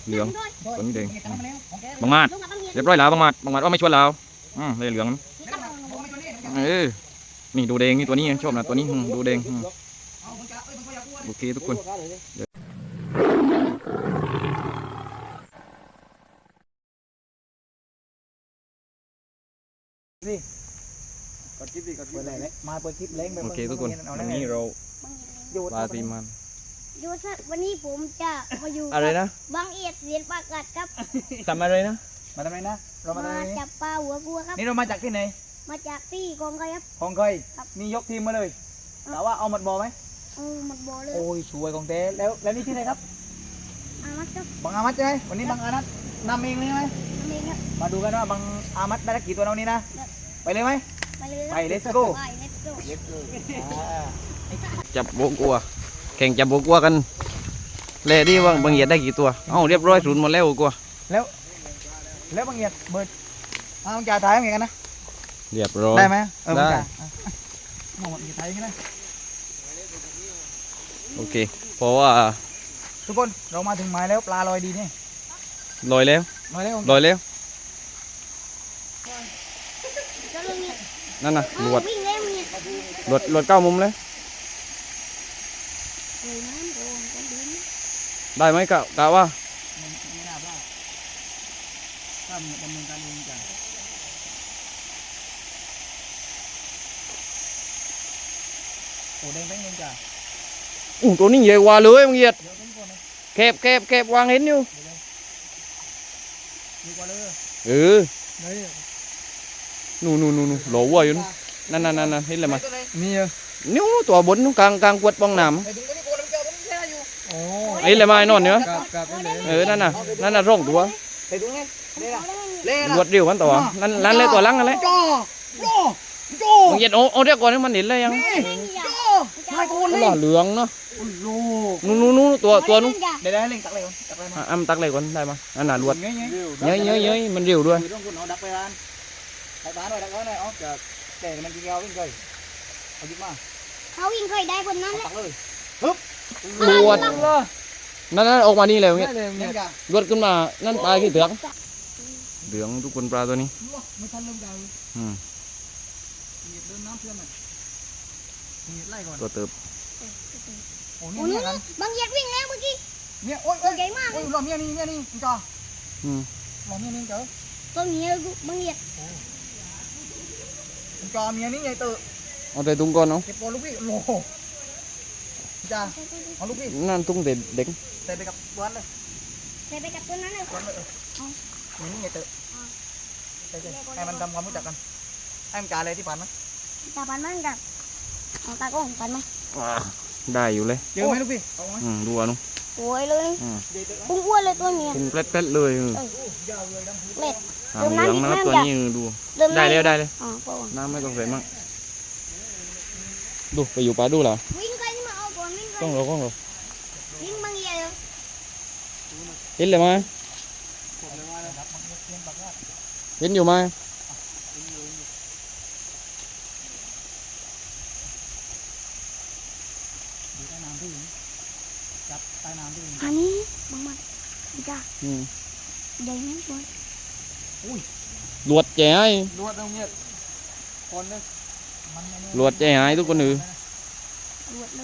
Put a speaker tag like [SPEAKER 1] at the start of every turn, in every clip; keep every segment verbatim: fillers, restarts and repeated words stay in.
[SPEAKER 1] เหลืองตัวนี้แดงบางมาดเรียบร้อยแล้วบางมาดบางมาดว่าไม่ชวนเราอืมเลยเหลืองเออนี่ดูแดงนี่ตัวนี้ชอบนะตัวนี้ดูแดงโอเคทุกคน
[SPEAKER 2] นี่กดคลิปดิกดคลิปอะไรเนี่ยมาเปิดคลิปเล้งไป
[SPEAKER 1] โอเคทุกคนวันนี้เราปลาตีมัน
[SPEAKER 3] ยูสักวันนี้ผมจะมาอยู่
[SPEAKER 1] อะไรนะ
[SPEAKER 3] บางเอียดเสียนปากกัดครับ
[SPEAKER 1] ทำอะไรนะ
[SPEAKER 2] มาทำไมนะเรามา
[SPEAKER 3] มา
[SPEAKER 2] ทำไม
[SPEAKER 3] จับปลาหัวบัวครับ
[SPEAKER 2] นี่เรามาจากที่ไหน
[SPEAKER 3] มาจากที่กองไก่ครับ
[SPEAKER 2] ของเคยนี่ยกทีมมาเลยแต่ว่าเอาหมดบ่อไหม
[SPEAKER 3] เออหมดบ่อเลย
[SPEAKER 2] โอ้ยสวยของเต้แล้วแล้วนี่ที่ไหนครับ
[SPEAKER 3] อามัดครับ
[SPEAKER 2] บางอามัดใช่ไหมวันนี้บางอามัดนำเองเลยไหม
[SPEAKER 3] ทำเองครับ
[SPEAKER 2] มาดูกันว่าบางอามัดได้กี่ตัวเอานี้นะไปเลยไหม
[SPEAKER 3] ไปเลยครับ
[SPEAKER 2] ไป let's go
[SPEAKER 3] ไป let's go
[SPEAKER 1] จับโบกัวแข่งจับโบกัวกันเล่ดิว่าบางเหยียดได้กี่ตัวเอ้าเรียบร้อยศูนย์หมดแล้วกัว
[SPEAKER 2] แล้วแล้วบางเอียดเบิดเอาบางจ่าถ่ายบางเอียดกันนะ
[SPEAKER 1] เรียบร้อย
[SPEAKER 2] ได้ไหมเออ
[SPEAKER 1] ได้
[SPEAKER 2] บางจ่าอ่ะมองบางเอียดถ่ายกันนะ
[SPEAKER 1] โอเคเพราะว่า
[SPEAKER 2] ทุกคนเรามาถึงหมายแล้วปลาลอยดีนี่
[SPEAKER 1] ลอยแล้ว
[SPEAKER 2] ลอยแล้ว
[SPEAKER 1] ลอยแล้ว
[SPEAKER 3] ก็เรื่องนี้
[SPEAKER 1] นั่นน่ะหลวด
[SPEAKER 3] วิ่งเร็วนี่
[SPEAKER 1] หลวดหลวดเก้ามุมเลย
[SPEAKER 3] เฮ้ยน้ำโดนกันดิน
[SPEAKER 1] ได้ไหมกะกะว่า
[SPEAKER 2] ไม่น่าพลาดถ้าดำเนินการเองจ้ะโอ้แดงแป้งเองจ้ะ
[SPEAKER 1] อู้ตัวนี้ใหญ่กว่าเลยบางเหยียด
[SPEAKER 2] เดี๋ยวเป็นคนนะ
[SPEAKER 1] แคบแคบแคบวางเห็นอยู่
[SPEAKER 2] ดีกว่าเลย
[SPEAKER 1] เออ
[SPEAKER 2] เฮ้ย
[SPEAKER 1] นู่นนู่นนู่นหล่อวัวอยู่นั่นนั่นนั่นนั่นเห็นเลยมั้ย
[SPEAKER 2] มีเออ
[SPEAKER 1] นิ้วตัวบนนู้นกลางกลางกวดป้องน้ำ
[SPEAKER 2] ไอ้ถึงก็นี่โกนเจ้าต้องแช่อยู่โอ้
[SPEAKER 1] เห็นเลยมั้ยนอนเนื้อ
[SPEAKER 2] กับกับนี่
[SPEAKER 1] เออนั่นน่ะนั่นน่ะร่องตัว
[SPEAKER 2] ไอ้ถึงไงเล่ละ
[SPEAKER 3] เอาได้ไหม
[SPEAKER 2] เล่
[SPEAKER 1] ร
[SPEAKER 2] ละ
[SPEAKER 1] วดเดียวกันตัวนั่นนั่นเลยตัวหลังนั่นเลย
[SPEAKER 2] จ่อจ่อจ่อบ
[SPEAKER 1] างเหยียดโอ้โอ้เดี๋ยวก่อนให้มันเห็นเลยยัง
[SPEAKER 3] นี่อย่า
[SPEAKER 2] จ่อชายโกนเลย
[SPEAKER 1] หล่อเหลืองเนาะ
[SPEAKER 2] โอ้โห
[SPEAKER 1] นู่นนู่นนู่นตัวตัวนู้น
[SPEAKER 2] เดี๋ยวได้เล่งตักเลยก่อนตักเลยมา
[SPEAKER 1] อ่ะอ้ำตักเลยก่อนได้มั้ยนั่นน่ะรวด
[SPEAKER 2] เงี้ยเงี้ย
[SPEAKER 1] เย้ยเย้ยเย้ยมันเร็วด้วย
[SPEAKER 2] ต้องคุณเอาดักไปร้านดักร้านหน่อยดักร้านหน่อยอ๋อจะแต่มันกินเอาวิ่งเลยเอาหยิบมา
[SPEAKER 3] เขาวิ่งเคยได้คนนั้นแหละ
[SPEAKER 2] ตักเลย
[SPEAKER 1] รวดนั่นนั่นออกมานี่เลย
[SPEAKER 2] เงี้
[SPEAKER 1] เงี้
[SPEAKER 2] ย
[SPEAKER 1] ย
[SPEAKER 2] เงี้ยจ้ะ
[SPEAKER 1] รวดขึ้นมานั่นปลาขี้เถือกเหลืองทุกคนปลาตัวนี้
[SPEAKER 2] ไม่ทันเริ่มใจ
[SPEAKER 1] อืม
[SPEAKER 2] เหยียดเดินน้ำเพื่อนหน่อยเหยียดไล่ก่อน
[SPEAKER 1] ตัวเติบ
[SPEAKER 2] โอ้
[SPEAKER 3] โอ้
[SPEAKER 2] นี่
[SPEAKER 3] นี่
[SPEAKER 2] เนี่ยกัน
[SPEAKER 3] บางเอียดวิ่งแล้วเมื่อกี้
[SPEAKER 2] เนี่ยโอ้ย
[SPEAKER 3] ตั
[SPEAKER 2] โอ้
[SPEAKER 3] วย ใหญ่มาก
[SPEAKER 2] โอ้ยหล่อเมียนี่เมียนี่คุณจ่อ
[SPEAKER 1] อืม
[SPEAKER 2] หล่อเมียนี่เจ้า
[SPEAKER 3] ตัวนี้บางเอียด
[SPEAKER 2] คุณจ่อเมียนี่ใหญ่เตอะ
[SPEAKER 1] เอาแต่ตุ้งก่อนเนาะ
[SPEAKER 2] เก็บโปลูกพี่โอ้โหจ้าเอาลูกพี่
[SPEAKER 1] นั่นตุ้งเด็ดเด็ก
[SPEAKER 2] ใส่ไปกับบ้านเลย
[SPEAKER 3] ใส่ไปกับตัวนั้นเลย
[SPEAKER 2] บ้านเลยเมียนี่ใหญ่เตอะใช่ใช่ให้มันทำความรู้จักกันให้มันจ่าอะไรที่ผ่านมั้ย
[SPEAKER 3] ตาปันมันกับเอาตาก้องปันไหม
[SPEAKER 1] ได้อยู่เลย
[SPEAKER 2] เจอไหมลูกพี่เอาไหม
[SPEAKER 1] อืมดูอ่ะนุ
[SPEAKER 3] สวยเลย
[SPEAKER 1] อืม
[SPEAKER 2] ใหญ่เตอะ
[SPEAKER 3] ปุ้งอ้วนเลยตัวเนี้ย
[SPEAKER 1] เป็นเปล็ดๆเลยเออ
[SPEAKER 2] ยาวเลยดำ
[SPEAKER 3] เล็ด
[SPEAKER 1] หางเหลืองนะครับตัวนี้ดู
[SPEAKER 3] เริ่ม
[SPEAKER 1] ได้แล้วได้เลย
[SPEAKER 3] อ๋อปะ
[SPEAKER 1] น้ำไม่ต้องใส่มากดูไปอยู่ปลาดูเหรอ
[SPEAKER 3] วิ่งไปนี่มาเอาก่อนวิ่งไป
[SPEAKER 1] กล้องเรากล้องเรา
[SPEAKER 3] วิ่งบางเอียด
[SPEAKER 1] เห็นเลยไหมเห็นอยู่ไหม
[SPEAKER 2] ใต้น้ำที่จับใต้น้ำที่
[SPEAKER 3] อันนี้บางมันจ้า
[SPEAKER 1] อืม
[SPEAKER 3] ใหญ่ไหมบอล
[SPEAKER 1] หลวดแจ๋ไอ้
[SPEAKER 2] ลวดตรงเนี้ยคนเลยมัน
[SPEAKER 1] หลวดแจ๋ไอ้ทุกคนอือ
[SPEAKER 3] รวดเลย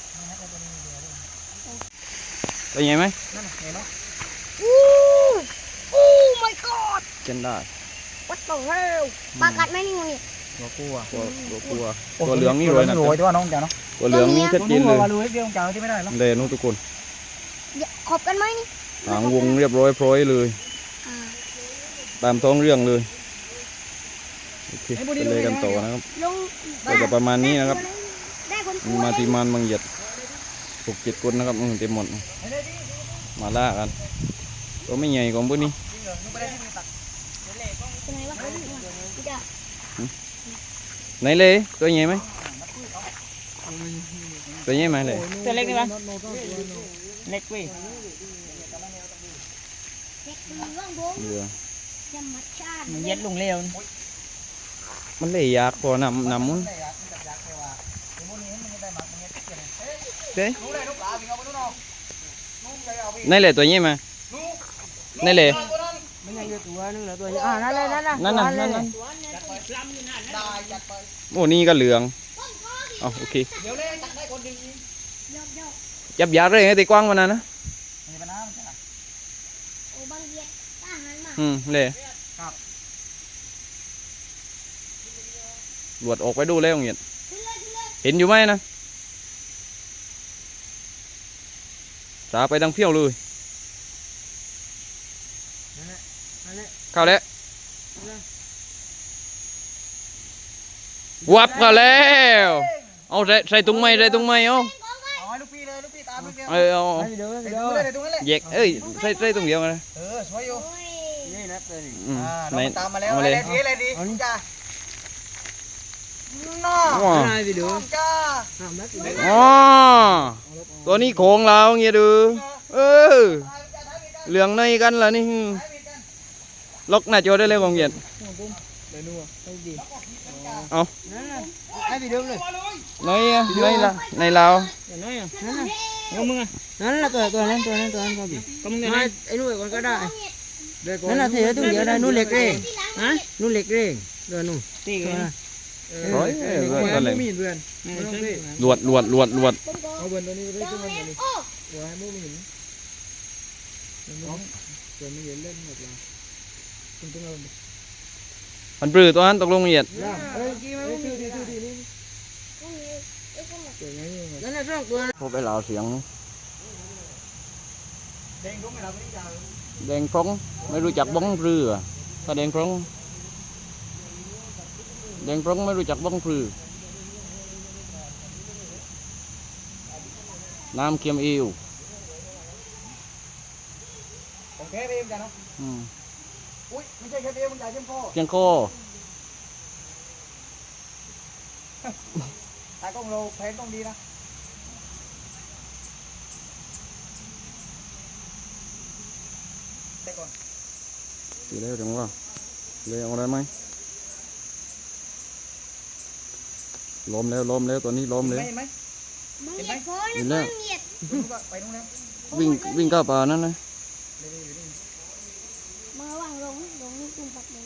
[SPEAKER 1] เป็นไงไหม
[SPEAKER 2] นั่นเห็นไหม
[SPEAKER 3] อู้อู้ my god
[SPEAKER 1] เช่นได้
[SPEAKER 3] what the hell ปลากัดไหมนี่มึงเนี่ย
[SPEAKER 2] ตัวกู้อ่ะ
[SPEAKER 1] ตัวตัวกลัวตัวเหลืองนี่เลยนะ
[SPEAKER 2] รวยตัวน้องจ๋าเนาะ
[SPEAKER 1] ตัวเหลืองนี่ชัดเจนเลย
[SPEAKER 2] ว่ารู้เดียวจ๋าที่ไม่ได้หรอ
[SPEAKER 1] เลยนู้นทุกคน
[SPEAKER 3] ขอบกันไหมนี่
[SPEAKER 1] หางวงเรียบร้อยพร้อยเลย
[SPEAKER 3] อ่า
[SPEAKER 1] ตามท้องเรื่องเลยโอเคไปเลยกันต่อนะครับ
[SPEAKER 3] ลง
[SPEAKER 1] ก็จะประมาณนี้นะครับ
[SPEAKER 3] ได้คน
[SPEAKER 1] มีมาตีมันบางเหยียดหกเจ็ดคนนะครับอืมเต็มหมดมาล่ากันตัวไม่ใหญ่ของพวกนี้
[SPEAKER 3] เป็นไงวะจ้า
[SPEAKER 1] ไหนเลยตัวใหญ่ไหมตัวใหญ่ไหมเลย
[SPEAKER 2] ตัวเล็กนี่ปะเล็กเว้ย
[SPEAKER 3] เด็กมือว่างบง
[SPEAKER 1] เรือ
[SPEAKER 3] ธรรมชาติ
[SPEAKER 2] มันเย็ดลงเร็ว
[SPEAKER 1] มันเลยยากพอนำนำมุ้นเด้ไหนเลยตัวใหญ่ไหม
[SPEAKER 2] น
[SPEAKER 1] นี่เลย
[SPEAKER 2] มันยังอยู่ตัวนึงเหลือตัวอ่านั่นเลยนั่นนะ
[SPEAKER 1] นั่นน่ะนั่นน่ะ
[SPEAKER 2] ได้จัดไป
[SPEAKER 1] โอ้นี่ก็เหลืองอ๋อโอเค
[SPEAKER 2] เดี๋ยวเลยจัดได้คนดี
[SPEAKER 3] ยกยก
[SPEAKER 1] จับยาเลยไอ้ตีกว้างวันนั้นนะ
[SPEAKER 2] มีปัญหาไหมจ๊ะ
[SPEAKER 3] โอ้บางเย็ดทหารมา
[SPEAKER 1] อืมเลย
[SPEAKER 2] ครับ
[SPEAKER 1] หลวดออกไปดูแล้วเงี้ย
[SPEAKER 3] ขึ้นเลยขึ้นเลย
[SPEAKER 1] เห็นอยู่ไหมนะสาไปดังเพี้ยวเลย
[SPEAKER 2] นั่นแหละนั่นแหละ
[SPEAKER 1] เข้าแล้ววับเข้าแล้วเอาใส่ใส่ตุ้งไม้ใส่ตุ้งไม้เอา
[SPEAKER 2] เอาให้ลูกพี่เลยลูกพี่ตามลูกเดียว
[SPEAKER 1] เออเอา
[SPEAKER 2] เดี๋ยวเดี๋ยวเลยเดี๋ยวตรงนั้นเลย
[SPEAKER 1] แยกเอ้ยใส่ใส่ตุ้งเดียวนะ
[SPEAKER 2] เออสวยอยู่
[SPEAKER 3] โอ้ย
[SPEAKER 2] นี่นะเป็น
[SPEAKER 1] อืม
[SPEAKER 2] อ่า
[SPEAKER 1] ไหน
[SPEAKER 2] น้องตามมาแล้ว
[SPEAKER 1] เอา
[SPEAKER 2] อะไร
[SPEAKER 1] เลย
[SPEAKER 2] ดีอะไรดีจ้าน้อ
[SPEAKER 1] ว้า
[SPEAKER 2] น้องจ้า
[SPEAKER 1] อ๋อตัวนี้โขงเราเงี้ยดูเออเหลืองในกันล่ะนี่ล็อกหน้าจอได้เลยของเงี้ย
[SPEAKER 2] เดี๋ยวดูให้ดี
[SPEAKER 1] เอา
[SPEAKER 2] นั่นน่ะให้ไปดูเลย
[SPEAKER 1] ในอะในละในเราว
[SPEAKER 2] นั่นน่ะนั่นน่ะเอามึงอ่ะนั่นน่ะตัวตัวนั้นตัวนั้นตัวนั้นก็บีก็มึงไงไอ้นู่นคนก็ได้นั่นน่ะเสียตุ้งเดียวได้นู่นเหล็กเร่งฮะนู่นเหล็กเร่งเดือนนู่นตีกัน
[SPEAKER 1] ร้อยเออเออนั่นเลย
[SPEAKER 2] มีเดือน
[SPEAKER 1] หลวดหลวดหลวดหลวด
[SPEAKER 3] ผมก็
[SPEAKER 2] เอาเดือนตัวนี้ไป
[SPEAKER 3] ล
[SPEAKER 2] ขึ้
[SPEAKER 3] อน ง
[SPEAKER 2] มา
[SPEAKER 3] เล่
[SPEAKER 2] เดี๋ยวน นี้
[SPEAKER 3] โอ้
[SPEAKER 2] เดี๋ยวให้มูไม่เห็นเดี๋ยวไม่เห็นเล่นหมดเลยคุณต้องเอา
[SPEAKER 1] มันปลื้อตัวนั้นตกลงเงียด
[SPEAKER 2] เอ้ยกี่มาชื่อดีชื่อดีนี่
[SPEAKER 3] ต้องมีไอ้คนละ
[SPEAKER 2] เจ๋งไงนั่นน่ะสองตัว
[SPEAKER 1] พบไปเหล่าเสียง
[SPEAKER 2] แดงรู้ไหมเราไม่ได้จ่าย
[SPEAKER 1] แดงฟงไม่รู้จักบ้องปลื้อถ้าแดงฟงแดงฟงไม่รู้จักบ้องปลื้อน้ำเค็มอิว
[SPEAKER 2] โอเคพี่จ้าเนาะ
[SPEAKER 1] อืม
[SPEAKER 2] อุ้ยไม่ใช่แค่เดียวมึงจ่ายเข้มข้อ
[SPEAKER 1] เพียงโค
[SPEAKER 2] ตากล้องเราแพนต้องดีนะเช็คก่อน
[SPEAKER 1] ดีแล้วจังว่าเลยเอาอะไรไหมล้มแล้วล้มแล้วตัวนี้ล้มเลย
[SPEAKER 2] เห็นไหม
[SPEAKER 3] มึงเหยียดโอย
[SPEAKER 1] เห็น
[SPEAKER 3] นะ
[SPEAKER 1] แล้ว
[SPEAKER 3] มึงเหยียด
[SPEAKER 2] เห็นไหมไปนู่นแล้ว
[SPEAKER 1] วิ่งวิ่งเข้าป่านั่นนะ
[SPEAKER 2] นี่นี่อยู่นี่
[SPEAKER 3] มือวางลงลงนี่ตุ้มปักเลย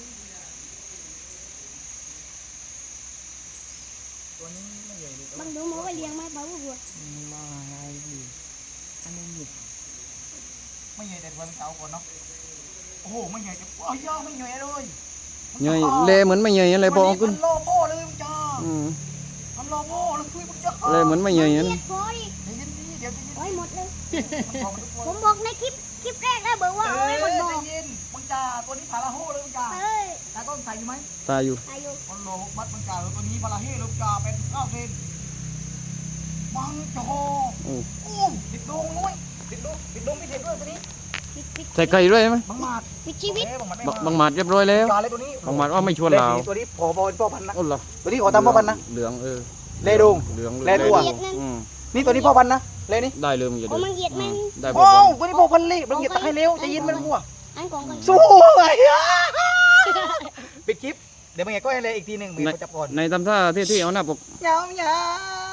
[SPEAKER 2] ตัวนี้ไม่ใหญ่เลย
[SPEAKER 3] บางดูหมอไปเลี้ยงไหมเปล่าบัว
[SPEAKER 2] มาไงดีอันนี้หยิบไม่ใหญ่แต่วันเก่าก่อนเนาะโอ้โหไม่ใหญ่แต่โอ้ยย่อไม่ใหญ่เลย
[SPEAKER 1] เงยเละเหมือนไม่เงยอะไรบอกขึ้น
[SPEAKER 2] มันโลโก้เลยมึงจ้า
[SPEAKER 1] อืม
[SPEAKER 2] มันโลโก้เลยคุยมึงจ้า
[SPEAKER 1] เละเหมือนไม่เงย
[SPEAKER 3] เห
[SPEAKER 1] นั่น
[SPEAKER 3] ยียดโอย
[SPEAKER 2] เดี๋ยวยินดีเดี๋ยวจะยิน
[SPEAKER 3] โอ้ยหมดเลย
[SPEAKER 2] มันบอกมันทุกคน
[SPEAKER 3] ผมบอกในคลิปคลิปแรกแล้วบอกว่า
[SPEAKER 2] เอ
[SPEAKER 3] โอ้ยหมดบ่อ
[SPEAKER 2] จะยินมึงจ้าตัวนี้พาราโฮเลยมึงจ้า
[SPEAKER 3] เอ้ย
[SPEAKER 2] ตากล้องใส่อยู่ไหม
[SPEAKER 1] ตายอยู่
[SPEAKER 3] อายุ
[SPEAKER 2] มันโลบัดมึงจ้าตัวนี้พาราเฮเลยมึงจ้าเป็นเก้าเซนบังจอ
[SPEAKER 1] โอ้
[SPEAKER 2] โอ้ติดดงนุ้ยติดดงติดดงไม่เสร็จด้วยตัวนี้
[SPEAKER 3] ปิดปิด
[SPEAKER 1] ใส่ไก่ด้วยไหม
[SPEAKER 2] บังหมาด
[SPEAKER 3] ปิดชีวิต
[SPEAKER 2] เอ๊ะบังหมัดไม่
[SPEAKER 1] บัก
[SPEAKER 2] มา
[SPEAKER 1] บังหมัดเรียบร้อยแล้ว
[SPEAKER 2] จาเลยตัวนี้
[SPEAKER 1] บังหมัดว่าไม่ชวนเรา
[SPEAKER 2] เลขตัวนี้พอบอลพ่อพันธุ์นะ
[SPEAKER 1] โอ้เหรอ
[SPEAKER 2] ตัวนี้ขอตามพ่อพันธุ์นะ
[SPEAKER 1] เหลืองเออ
[SPEAKER 2] เลดง
[SPEAKER 1] เหลือง
[SPEAKER 2] แลตัว
[SPEAKER 1] อืม
[SPEAKER 2] นี่ตัวนี้พ่อพันธุ์นะเลนี่
[SPEAKER 1] ได้เลยมึงอย่า
[SPEAKER 3] โอ้
[SPEAKER 1] เดิน
[SPEAKER 3] มันเหยียดมัน
[SPEAKER 1] ได้บอ
[SPEAKER 2] โอ้
[SPEAKER 1] ก
[SPEAKER 2] ตัวนี้พ่อพันธุ์เลยมันเหยียดตะไคร้เร็วจะยินมันหัว
[SPEAKER 3] อันของกัน
[SPEAKER 2] สู้ไอ้ยะปิดคลิปเดี๋ยวมึงไงก็ให้เลยอีกทีหนึ่งมึงจับก่อน
[SPEAKER 1] ในทำท่าที่ที่เอาหน้าปก
[SPEAKER 2] ยาวยาว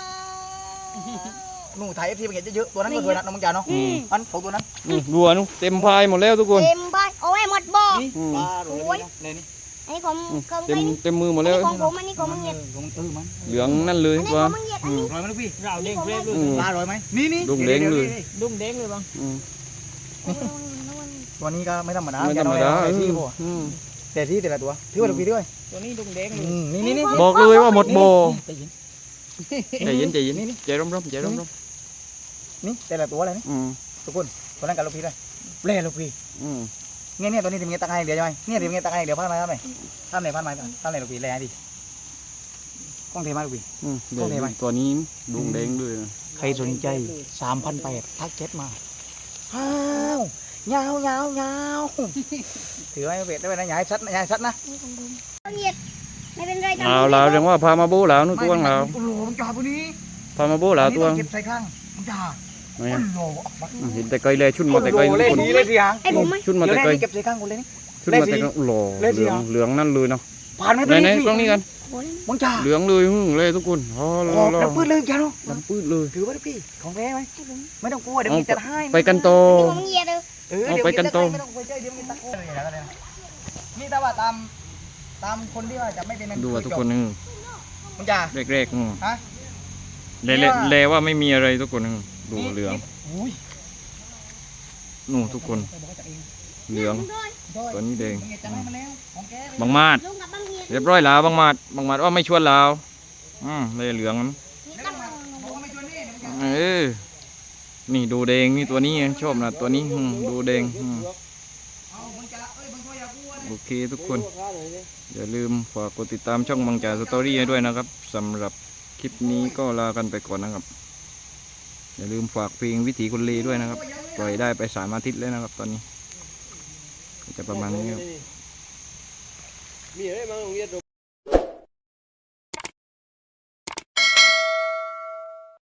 [SPEAKER 2] หนูถ่ายเอฟทีมึงเห็นเยอะๆตัวนั้นก็สวยนะน้องมึงจ๋าเนาะ
[SPEAKER 3] อืม
[SPEAKER 2] อันของตัวนั้น
[SPEAKER 1] นี่บัวนุเต็มพายหมดแล้วทุกคน
[SPEAKER 3] เต็มบ้านโอ้ยหมดบ่อ
[SPEAKER 2] นี่
[SPEAKER 1] อืม
[SPEAKER 2] ปลาโรยเลยนี่
[SPEAKER 3] อันนี้ของ
[SPEAKER 1] อืม
[SPEAKER 3] ของ
[SPEAKER 1] เต็
[SPEAKER 3] ใคร
[SPEAKER 1] ม
[SPEAKER 3] นี่
[SPEAKER 1] เต็มมือหมด
[SPEAKER 3] อัน
[SPEAKER 1] แล้ว
[SPEAKER 3] นี้ของผมอันนี้ของมึงเหยียด
[SPEAKER 2] ของเออมัน
[SPEAKER 1] เหลืองนั่นเลย
[SPEAKER 3] อันนี้ข
[SPEAKER 1] ว่า
[SPEAKER 3] องมึงเหยียดอันนี้
[SPEAKER 2] รอยไหมลูกพี่
[SPEAKER 3] เราเด้งเด้ง
[SPEAKER 1] อืม
[SPEAKER 2] ปลารอยไหมนี่นี่
[SPEAKER 1] ดุ้งเด้งเลย
[SPEAKER 2] ดุ้งเด้งเลยบ้าง
[SPEAKER 1] อืม
[SPEAKER 2] ตัวนี้ก็ไม่ธรรมดา
[SPEAKER 1] ไม่ธรรมดา
[SPEAKER 2] แต่ที่
[SPEAKER 1] อืม
[SPEAKER 2] พอ
[SPEAKER 1] อืม
[SPEAKER 2] แต่ที่แต่ละตัวถือว่าลูกพี่ด้วย
[SPEAKER 4] ตัวนี้ดุงเด้งเลย
[SPEAKER 2] อืมนี่นี่นี่
[SPEAKER 1] บอกเลยว่าหมดโบ
[SPEAKER 2] ใจเย็น
[SPEAKER 1] ใจเย็นใจเย็น
[SPEAKER 2] นี่นี่
[SPEAKER 1] ใจร่มๆใจร่ม
[SPEAKER 2] นี่แต่ละตัวอะไรนี่
[SPEAKER 1] ๆอืม
[SPEAKER 2] ทุกคนตัวนั้นกับลูกพี่ด้วยเล่ลูกพี่
[SPEAKER 1] อืม
[SPEAKER 2] เนี่ยเนี่ยตัวนี้ทีมเงี้ยตักให้เดี๋ยวใช่ไหมเนี่ยทีมเงี้ยตักให้เดี๋ยวพันไม้ทำไหนทำไหนพันไม้ทำไหนลูกพี่แล่ดิกล้องเทมาลูกพี่
[SPEAKER 1] อืม
[SPEAKER 2] โอเคไหม
[SPEAKER 1] ตัวนี้ดุงเด้งด้วยนะ
[SPEAKER 2] ใครสนใจสามพันแปดทักเจ็ดมาอ้าวเงาเงาเงาถือไว้เวทได้ไหมนะอย่าให้ชัดนะอย่าให้ชัดนะ
[SPEAKER 3] นี่ของผมต้องเหยียดไม่เป็นไรทำ
[SPEAKER 1] เอาแล้วเรียกว่าพามาบูแล้วนู่นตัวงเรา
[SPEAKER 2] โอ้โหมึงจ่าตัวนี้
[SPEAKER 1] พามาบูแล้วตัว
[SPEAKER 2] อันนี้ต้องเก็บใส่ข้างมึงจ่า
[SPEAKER 1] ไม่
[SPEAKER 2] โอ้
[SPEAKER 1] อะ
[SPEAKER 2] โห
[SPEAKER 1] อืมเห็นแต่ไกลเลยชุดมาแต่ไกล
[SPEAKER 2] โอ้
[SPEAKER 1] ทุ
[SPEAKER 2] โห
[SPEAKER 1] กคน
[SPEAKER 2] เล่นดีเลยสิฮะ
[SPEAKER 3] ไอ้ผมไหม
[SPEAKER 1] ชุดมา
[SPEAKER 2] เดี๋ยว
[SPEAKER 1] แต่
[SPEAKER 2] แน่
[SPEAKER 1] ไกล
[SPEAKER 2] นี่เก็บใส่ข้างกูเลยนี่
[SPEAKER 1] ชุดมาแต่ไกลโอ้โห
[SPEAKER 2] เล่น
[SPEAKER 1] เห
[SPEAKER 2] สิ
[SPEAKER 1] ลือง
[SPEAKER 2] เหรอ
[SPEAKER 1] เหลืองนั่นเลยเนาะ
[SPEAKER 2] ผ่านไหม
[SPEAKER 1] ไหน
[SPEAKER 2] ตัว
[SPEAKER 1] ไหน
[SPEAKER 2] นี้สิ
[SPEAKER 1] กล้องนี้กัน
[SPEAKER 3] โอ้ย
[SPEAKER 2] มึงจ่า
[SPEAKER 1] เหลืองเลยหึ่งเลยทุกคนอ๋อ
[SPEAKER 2] ขอบ
[SPEAKER 1] รอ
[SPEAKER 2] น้ำปืนเลยแกเนาะ
[SPEAKER 1] ดำปื้ดเลย
[SPEAKER 2] ถือไว้ดิพี่ของแท้ไหม
[SPEAKER 3] ให้ผม
[SPEAKER 2] ไม่ต้องกลัวเดี๋ยวมีจัดให้
[SPEAKER 1] ไปกันต่อ
[SPEAKER 3] นี่ของมึงเหยียดเลย
[SPEAKER 2] เออ
[SPEAKER 1] เอาไปกันโต
[SPEAKER 2] ไม่ต้องไปเจอเดี๋ยวมีตะโกนนี่แต่ว่าตามตามคนที่ว่าจะไม่เป็น
[SPEAKER 1] ดูว่าทุกคนนึง
[SPEAKER 2] มึงจ่า
[SPEAKER 1] แรกๆอืม
[SPEAKER 2] ฮะ
[SPEAKER 1] เลเลเลว่าไม่มีอะไรทุกคนนึงดูเหลือง
[SPEAKER 2] อุ้ย
[SPEAKER 1] นู่นทุกคนเหลือง ตัวนี้แดง
[SPEAKER 2] มึงอย่าจำให้มันแล้วของแก
[SPEAKER 1] บางมาด
[SPEAKER 3] ลุงกับบางเงียด
[SPEAKER 1] เรียบร้อยแล้วบางมาดบางมาดว่าไม่ชวนเราอืมเลยเหลืองมัน
[SPEAKER 3] นี่ก็มึง
[SPEAKER 2] บอกว่าไม่ชวนนี่เดี๋ยวมึงจะ
[SPEAKER 1] เออนี่ดูแดงนี่ตัวนี้ชอบนะตัวนี้อืมดูแดงอืม
[SPEAKER 2] เอามึงจะเอ้ยมึงก็อย่ากลัวนะ
[SPEAKER 1] โอเคทุกคนอย่าลืมฝากกดติดตามช่องบางจ่าสตอรี่ให้ด้วยนะครับสำหรับคลิปนี้ก็ลากันไปก่อนนะครับอย่าลืมฝากเพลงวิถีคนเลด้วยนะครับปล่อยได้ไปสามอาทิตย์แล้วนะครับตอนนี้ก็จะประมาณนี้ครับ
[SPEAKER 4] มีอะไรบ้างโรงเรียนเรา